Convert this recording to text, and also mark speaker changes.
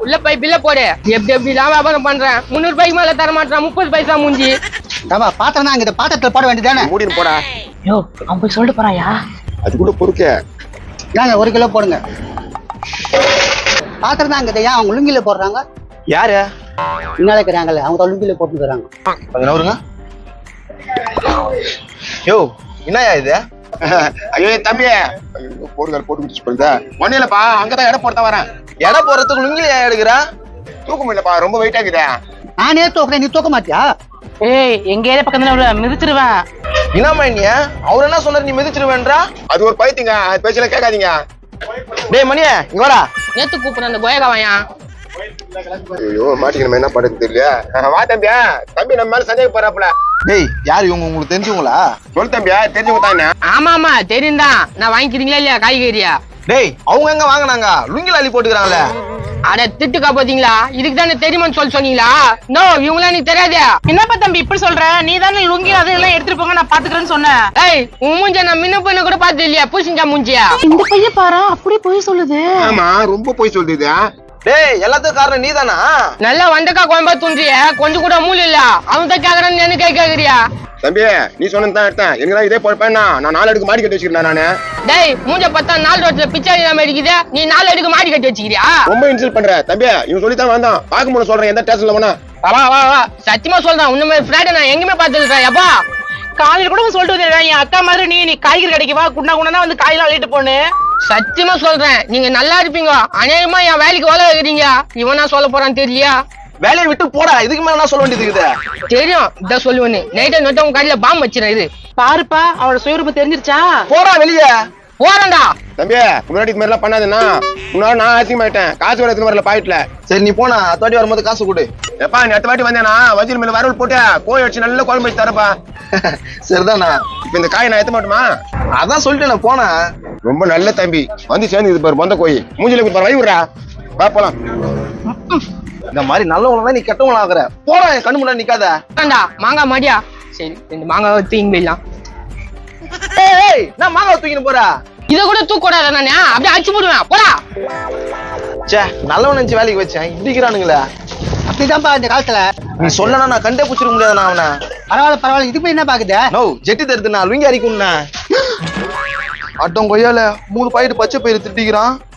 Speaker 1: உள்ள போய் பில்ல போடு. எப்படிலாம் வியாபாரம் பண்றேன். 300 ரூபாய்க்கு மேல தர மாட்டேன். 30 பைசா மூஞ்சி.
Speaker 2: பாத்திரம் தான் அங்க பாத்திரத்துல போட வேண்டியதானே.
Speaker 3: மூடின்னு போடா.
Speaker 1: யோ அவன் போய் சொல்லிட்டு போறாயா?
Speaker 3: அது கூட பொறுக்க.
Speaker 2: ஏங்க 1 கிலோ போடுங்க. பாத்திரம் தான் அங்க ஏன் அவங்க லுங்கில போடுறாங்க?
Speaker 3: யாரு
Speaker 2: முன்னால இருக்கிறாங்கல்ல அவங்க லுங்கில போட்டுக்கிறாங்க.
Speaker 3: கொஞ்ச நவருங்க. யோ என்னயா இது?
Speaker 4: ஐயோ தம்பி போடுதல் போட்டு குடிச்சு போயிருந்தா ஒன்னும் இல்லப்பா. அங்கதான் இடம் போட வரேன்.
Speaker 3: இடம் போறதுக்கு லுங்கி ஏன் எடுக்கிறா?
Speaker 4: தூக்க முடியலப்பா, ரொம்ப வெயிட் ஆகுதா.
Speaker 2: நானே தூக்குறேன், நீ தூக்க மாட்டியா?
Speaker 1: ஏய் எங்க ஏரியா பக்கத்துல மிதிச்சிருவேன்.
Speaker 3: என்னம்மா நீ? அவர் என்ன சொன்னாரு நீ மிதிச்சிருவேன்றா?
Speaker 4: அது ஒரு பைத்தியங்க, அது பேச்சல கேட்காதீங்க.
Speaker 3: டேய் மணியே இங்க வாடா.
Speaker 1: நேத்து கூப்பிடுற அந்த கோயகாவையா?
Speaker 4: ஐயோ மாட்டிக்கணும், என்ன பண்றது தெரியல. வா தம்பியா, தம்பி நம்ம மேல சந்தேக போறாப்ல.
Speaker 3: டேய் யாரு இவங்க, உங்களுக்கு தெரிஞ்சவங்களா?
Speaker 4: சொல் தம்பியா, தெரிஞ்சவங்க தானே.
Speaker 1: ஆமா தெரியும்தான். நான் வாங்கிக்கிறீங்களா இல்லையா காய்கறியா?
Speaker 3: டேய் அவங்க எங்க வாங்கினாங்க? லுங்கில அள்ளி போட்டுக்கிறாங்களே.
Speaker 1: அட திட்டுக்கா பாத்தீங்களா? இதுக்கு தானே தெரியுமான்னு சொன்னீங்களா? நோ இவங்களா எனக்கு தெரியாது. என்னப்பா தம்பி இப்படி சொல்ற? நீ தானே லுங்கி அதெல்லாம் எடுத்துட்டு போங்க நான் பாத்துக்கிறேன்னு சொன்னேன். ஏய் உன் மூஞ்ச நான் முன்ன பண்ண கூட பாத்து இல்லையா? பூசிஞ்சா மூஞ்சியா? இந்த பையன் பாரு அப்படி போய் சொல்லுது.
Speaker 4: ஆமா ரொம்ப போய் சொல்லுது.
Speaker 3: டேய் எல்லாத்துக்கும் காரணம் நீதானா?
Speaker 1: நல்லா வந்தக்கா கோயம்பா தூண்டிய கொஞ்சம் கூட மூல இல்ல. அவன் தான் கேக்குறான்னு என்ன கேக்குறியா?
Speaker 4: தம்பி நீ சொன்னதான் எடுத்தேன். எனக்கு இதே போறப்பேன் நான் 4 அடுக்கு மாடி கட்டி வச்சிருக்கேன் நானு.
Speaker 1: டேய் மூஞ்ச பார்த்தா 4 ரோட்ல பிச்சை இல்லாம இருக்குது. நீ 4 அடுக்கு மாடி கட்டி வச்சிக்கிறியா?
Speaker 4: ரொம்ப இன்சல்ட் பண்ற தம்பி. இவன் சொல்லித்தான் வந்தான். பாக்க முடியும் சொல்றேன், எந்த ஸ்டேஷன்ல போனா.
Speaker 1: வா சத்தியமா சொல்றேன். உன்ன மாதிரி ஃப்ரைடே நான் எங்கேயுமே பார்த்தது எப்பா. காலையில கூட சொல்லிட்டு வந்தேன் என் அக்கா மாதிரி நீ காய்கறி கடைக்கு வா, குண்டா வந்து காயெல்லாம் அள்ளிட்டு போனு. சத்தியமா சொல்றேன் நீங்க நல்லா இருப்பீங்க. அநேகமா என் வேலைக்கு வேலை வைக்கிறீங்க. இவனா சொல்ல போறான்னு தெரியலையா?
Speaker 3: வேலையை விட்டு போடா. இதுக்கு மேல என்ன சொல்ல வேண்டியது இருக்குது?
Speaker 1: தெரியும் இதான் சொல்லுவேன்னு. நைட்டை நோட்ட உங்க கடையில பாம்பு வச்சிருக்கேன். இது பாருப்பா அவளோட சுயரூபம் தெரிஞ்சிருச்சா?
Speaker 3: போடா வெளியே.
Speaker 1: போறேன்டா.
Speaker 4: தம்பி முன்னாடி இது மாதிரிலாம் பண்ணாதுன்னா முன்னாடி நான் ஆசியமாயிட்டேன். காசு வர எடுத்து வரல பாயிட்ல.
Speaker 3: சரி நீ போனா அடுத்த வாட்டி வரும்போது காசு கொடு.
Speaker 4: எப்பா நீ அடுத்த வாட்டி வந்தேனா வஜ்ஜில் மேல வரவல் போட்டு கோழி அடிச்சு நல்ல குழம்பு வச்சு தரப்பா.
Speaker 3: சரிதானா?
Speaker 4: இப்ப இந்த காயை நான் எத்த மாட்டோமா?
Speaker 3: அதான் சொல்லிட்டு நான் போனேன்.
Speaker 4: ரொம்ப நல்ல தம்பி வந்து சேர்ந்து இது பாரு வந்த கோழி மூஞ்சில பாரு வை விடுறா. வா போலாம்.
Speaker 3: இந்த மாதிரி நல்லவங்களா நீ கெட்டவங்களா ஆகுற. போடா என் கண்ணு முன்னாடி நிக்காத.
Speaker 1: மாங்காய் மாடியா? சரி 2 மாங்காய் தூக்கி போயிடலாம்.
Speaker 3: ஏய் நான் மாங்காய் தூக்கின்னு போறா.
Speaker 1: இத கூட தூக்க கூடாது. நானே அப்படியே அடிச்சு போடுவேன். போடா.
Speaker 3: சே நல்லவன் நினைச்சு வேலைக்கு வச்சேன். இப்படிக்கிறானுங்களே.
Speaker 2: அப்படிதான்ப்பா இந்த காலத்துல.
Speaker 3: நீ சொல்லனா நான் கண்டே பிடிச்சிருக்க முடியாது. நான் அவனை
Speaker 2: பரவாயில்ல இது போய் என்ன பாக்குது?
Speaker 3: நோ ஜெட்டி தருது. நான் லுங்கி அரிக்கும்னா அட்டம் கொய்யால 3 பாயிட்டு பச்சை பயிறு திட்டிக்கிறான்.